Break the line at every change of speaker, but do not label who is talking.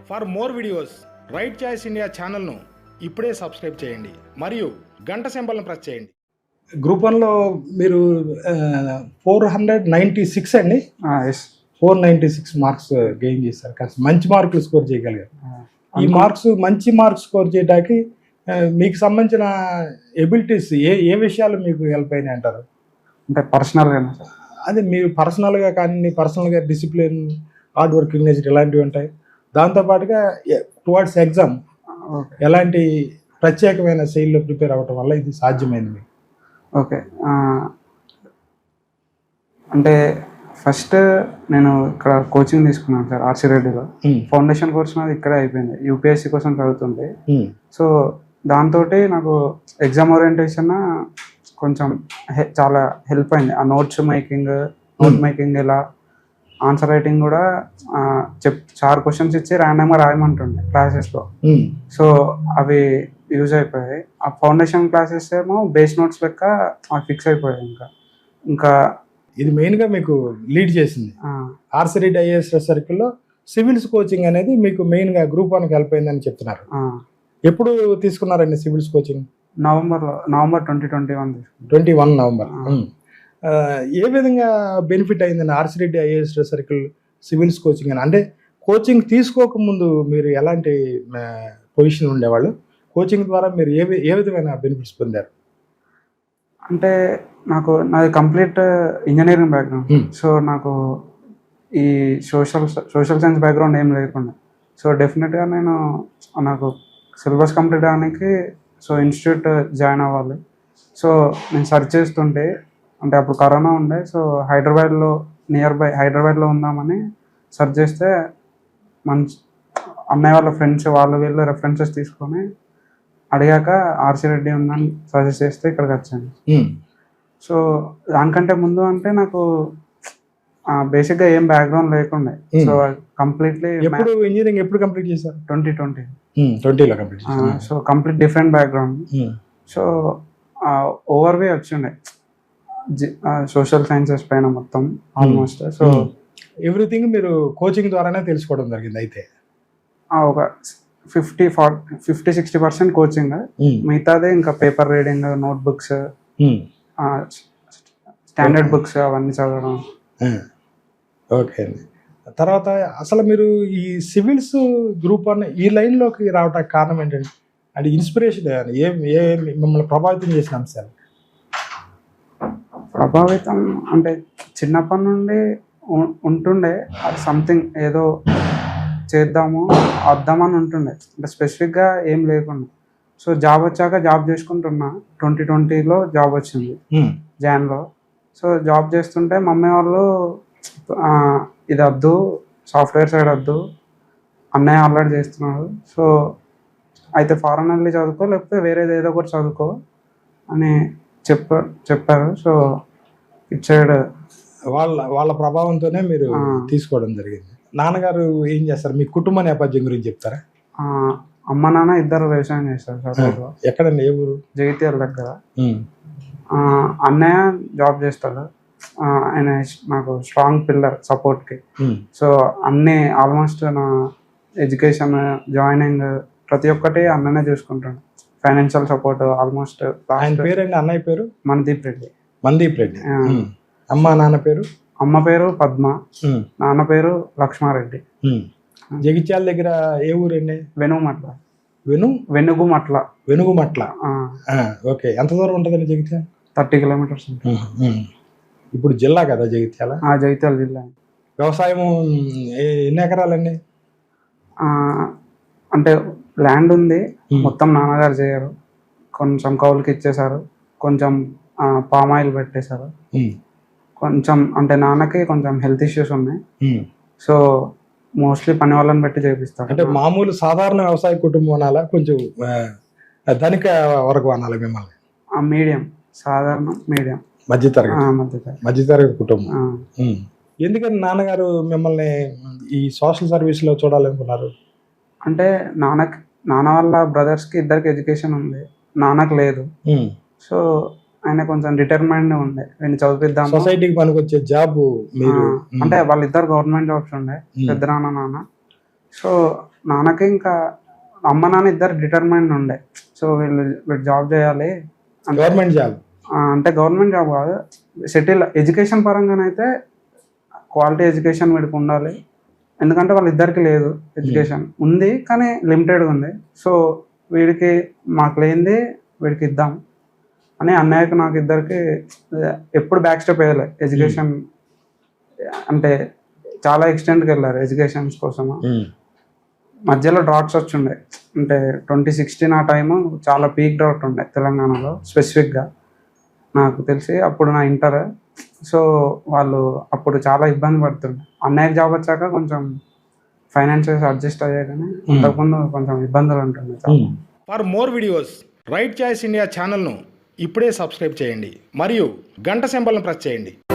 For more videos right choice India ఛానల్ను ఇప్పుడే subscribe చేయండి మరియు గంట సింబల్ను ప్రెస్ చేయండి. గ్రూప్ 1లో మీరు 496 అండి. 496 మార్క్స్ గెయిన్ చేశారు. కాస్త మంచి మార్కులు స్కోర్ చేయగలిగారు. ఈ మంచి మార్క్స్ స్కోర్ చేయడానికి మీకు సంబంధించిన ఎబిలిటీస్ ఏ విషయాలు మీకు హెల్ప్ అయినాయి అంటారు?
అంటే పర్సనల్గా
అదే మీరు పర్సనల్గా కానీ పర్సనల్గా డిసిప్లిన్, హార్డ్ వర్కింగ్ నేచర్ ఇలాంటివి ఉంటాయి. దాంతోపాటుగా టువర్డ్స్ ఎగ్జామ్ ఎలాంటి ప్రత్యేకమైన శైలిలో ప్రిపేర్ అవ్వటం వల్ల ఇది సాధ్యమైంది మీకు?
ఓకే, అంటే ఫస్ట్ నేను ఇక్కడ కోచింగ్ తీసుకున్నాను సార్, ఆర్సీ రెడ్డిలో. ఫౌండేషన్ కోర్స్ నాది ఇక్కడే అయిపోయింది. యూపీఎస్సీ కోసం చదువుతుంటే సో దాంతో నాకు ఎగ్జామ్ ఓరియంటేషన్ కొంచెం చాలా హెల్ప్ అయింది. ఆ నోట్ మేకింగ్ ఇలా ఆన్సర్ రైటింగ్ కూడా చార్ క్వశ్చన్స్ ఇచ్చి ర్యాండమ్గా రాయమంటుండే క్లాసెస్లో. సో అవి యూజ్ అయిపోయాయి. ఆ ఫౌండేషన్ క్లాసెస్ ఏమో బేస్ నోట్స్ లెక్క ఫిక్స్ అయిపోయాయి. ఇంకా
ఇది మెయిన్గా మీకు లీడ్ చేసింది. ఆర్సీ రెడ్డి ఐఏఎస్ సర్కిల్లో సివిల్స్ కోచింగ్ అనేది మీకు మెయిన్గా గ్రూప్ 1కి హెల్ప్ అయిందని చెప్తున్నారు. ఎప్పుడు తీసుకున్నారండి సివిల్స్ కోచింగ్?
November
2021 November. ఏ విధంగా బెనిఫిట్ అయిందండి RC Reddy IAS circle civils coaching అని? అంటే కోచింగ్ తీసుకోకముందు మీరు ఎలాంటి పొజిషన్ ఉండేవాళ్ళు? కోచింగ్ ద్వారా మీరు ఏ విధమైన బెనిఫిట్స్ పొందారు?
అంటే నాది కంప్లీట్ ఇంజనీరింగ్ బ్యాక్గ్రౌండ్. సో నాకు ఈ సోషల్ సైన్స్ బ్యాక్గ్రౌండ్ ఏం లేకుండా, సో డెఫినెట్గా నాకు సిలబస్ కంప్లీట్ అవడానికి సో ఇన్స్టిట్యూట్ జాయిన్ అవ్వాలి. సో నేను సెర్చ్ చేస్తుంటే, అంటే అప్పుడు కరోనా ఉండే, సో నియర్ బై హైదరాబాద్లో ఉందామని సెర్చ్ చేస్తే మంచి అన్నయ్య వాళ్ళ ఫ్రెండ్స్ వీళ్ళు రెఫరెన్సెస్ తీసుకొని అడిగాక ఆర్సీ రెడ్డి ఉందని సజెస్ట్ చేస్తే ఇక్కడికి వచ్చాను. సో దానికంటే ముందు అంటే నాకు బేసిక్గా ఏం బ్యాక్గ్రౌండ్ లేకుండే. సో కంప్లీట్లీ
ఇంజనీరింగ్ ఎప్పుడు కంప్లీట్ చేశారు?
2020లో కంప్లీట్ చేశాను. So complete different background. So ఓవర్వే వచ్చిండే సోషల్ సైన్సెస్ పైన మొత్తం ఆల్మోస్ట్. సో
ఎవ్రీథింగ్ మీరు కోచింగ్ ద్వారానే తెలుసుకోవడం జరిగింది. అయితే
ఒక 50-60% కోచింగ్, మిగతాదే ఇంకా paper reading, note books, standard books అవన్నీ చదవడం.
ఓకే అండి. తర్వాత అసలు మీరు ఈ సివిల్స్ గ్రూప్ 1 ఈ లైన్లోకి రావడానికి కారణం ఏంటండి? అంటే ఇన్స్పిరేషన్ మిమ్మల్ని ప్రభావితం చేసిన అంశాలు?
ప్రభావితం అంటే చిన్నప్పటి నుండి ఉంటుండే సంథింగ్ ఏదో చేద్దామని ఉంటుండే, అంటే స్పెసిఫిక్గా ఏం లేకుండా. సో జాబ్ వచ్చాక జాబ్ చేసుకుంటున్నా. 2020లో జాబ్ వచ్చింది జాన్లో. సో జాబ్ చేస్తుంటే మమ్మీ వాళ్ళు ఇది వద్దు, సాఫ్ట్వేర్ సైడ్ వద్దు, అన్నయ్య ఆల్రెడీ చేస్తున్నాడు, సో అయితే ఫారెన్ వెళ్ళి చదువుకో, లేకపోతే వేరేది ఏదో ఒకటి చదువుకో అని చెప్పారు. సో ఇట్ సైడ్
వాళ్ళ ప్రభావంతోనే మీరు తీసుకోవడం జరిగింది. నాన్నగారు ఏం చేస్తారు? మీ కుటుంబ నేపథ్యం గురించి చెప్తారా?
అమ్మ నాన్న ఇద్దరు వ్యవసాయం చేస్తారు సార్.
ఎక్కడండి? ఏ ఊరు?
జగిత్యాల దగ్గర. అన్నయ్య జాబ్ చేస్తాడు. ఆయన నాకు స్ట్రాంగ్ పిల్లర్ సపోర్ట్కి. సో అన్నీ ఆల్మోస్ట్ నా ఎడ్యుకేషన్, జాయినింగ్ ప్రతి ఒక్కటి అన్ననే చూసుకుంటాడు. Financial support almost.
ఆయన పేరండి? అన్నయ్య పేరు?
మనదీప్ రెడ్డి.
అమ్మ నాన్న పేరు?
అమ్మ పేరు పద్మ, నాన్న పేరు లక్ష్మారెడ్డి.
జగిత్యాల దగ్గర ఏ ఊరండి? వెనుగుమట్ల. ఓకే. ఎంత దూరం ఉంటుందండి జగిత్యాల?
30 కిలోమీటర్స్.
ఇప్పుడు జిల్లా కదా జగిత్యాల?
జగిత్యాల జిల్లా.
వ్యవసాయం ఎన్ని ఎకరాలండి?
అంటే ల్యాండ్ ఉంది, మొత్తం నాన్నగారు చేయరు. కొంచెం కౌలుకి ఇచ్చేసారు, కొంచెం పామ్ ఆయిల్ పెట్టేశారు, కొంచెం అంటే నాన్నకి కొంచెం హెల్త్ ఇష్యూస్ ఉన్నాయి. సో మోస్ట్లీ పని వాళ్ళని పెట్టి చేపిస్తారు.
అంటే మామూలు సాధారణ వ్యవసాయ కుటుంబం అనాలా, కొంచెం ధనిక వరకు అనాలి మిమ్మల్ని?
మీడియం, సాధారణ మీడియం,
మధ్యతరగతి కుటుంబం. ఎందుకని నాన్నగారు మిమ్మల్ని ఈ సోషల్ సర్వీస్లో చూడాలనుకున్నారు?
అంటే నాన్న వాళ్ళ బ్రదర్స్కి ఇద్దరికి ఎడ్యుకేషన్ ఉంది, నాన్నకు లేదు. సో ఆయన కొంచెం డిటర్మైండ్ ఉండే, నేను చదివిద్దాం,
సొసైటీకి పనికొచ్చే జాబ్ మీరు.
అంటే వాళ్ళిద్దరు గవర్నమెంట్ జాబ్స్ ఉండే, పెద్ద నాన్న. సో నాన్నకి ఇంకా అమ్మ నాన్న ఇద్దరు డిటర్మైండ్ ఉండే. సో వీళ్ళు జాబ్ చేయాలి
గవర్నమెంట్ జాబ్
అంటే గవర్నమెంట్ జాబ్ కాదు, సెటిల్ ఎడ్యుకేషన్ పరంగానైతే క్వాలిటీ ఎడ్యుకేషన్ వీడికి ఉండాలి. ఎందుకంటే వాళ్ళిద్దరికి లేదు, ఎడ్యుకేషన్ ఉంది కానీ లిమిటెడ్గా ఉంది. సో వీడికి మాకు లేనిది వీడికి ఇద్దాం అని అన్నయ్యకు నాకు ఇద్దరికి ఎప్పుడు బ్యాక్ స్టెప్ వేయాలి. ఎడ్యుకేషన్ అంటే చాలా ఎక్స్టెంట్కి వెళ్ళారు ఎడ్యుకేషన్స్ కోసము. మధ్యలో డ్రాట్స్ వచ్చిండే, అంటే 2016 ఆ టైము చాలా పీక్ డ్రాట్ ఉండే తెలంగాణలో స్పెసిఫిక్గా నాకు తెలిసి. అప్పుడు నా ఇంటర్. సో వాళ్ళు అప్పుడు చాలా ఇబ్బంది పడుతుండే. అన్నయ్యకి జాబ్ వచ్చాక కొంచెం ఫైనాన్షియల్స్ అడ్జస్ట్ అయ్యాయి, కానీ అంతకుముందు కొంచెం ఇబ్బందులు ఉంటుండే.
For more videos right choice India ఛానల్ను ఇప్పుడే సబ్స్క్రైబ్ చేయండి మరియు గంట సింబల్ను ప్రెస్ చేయండి.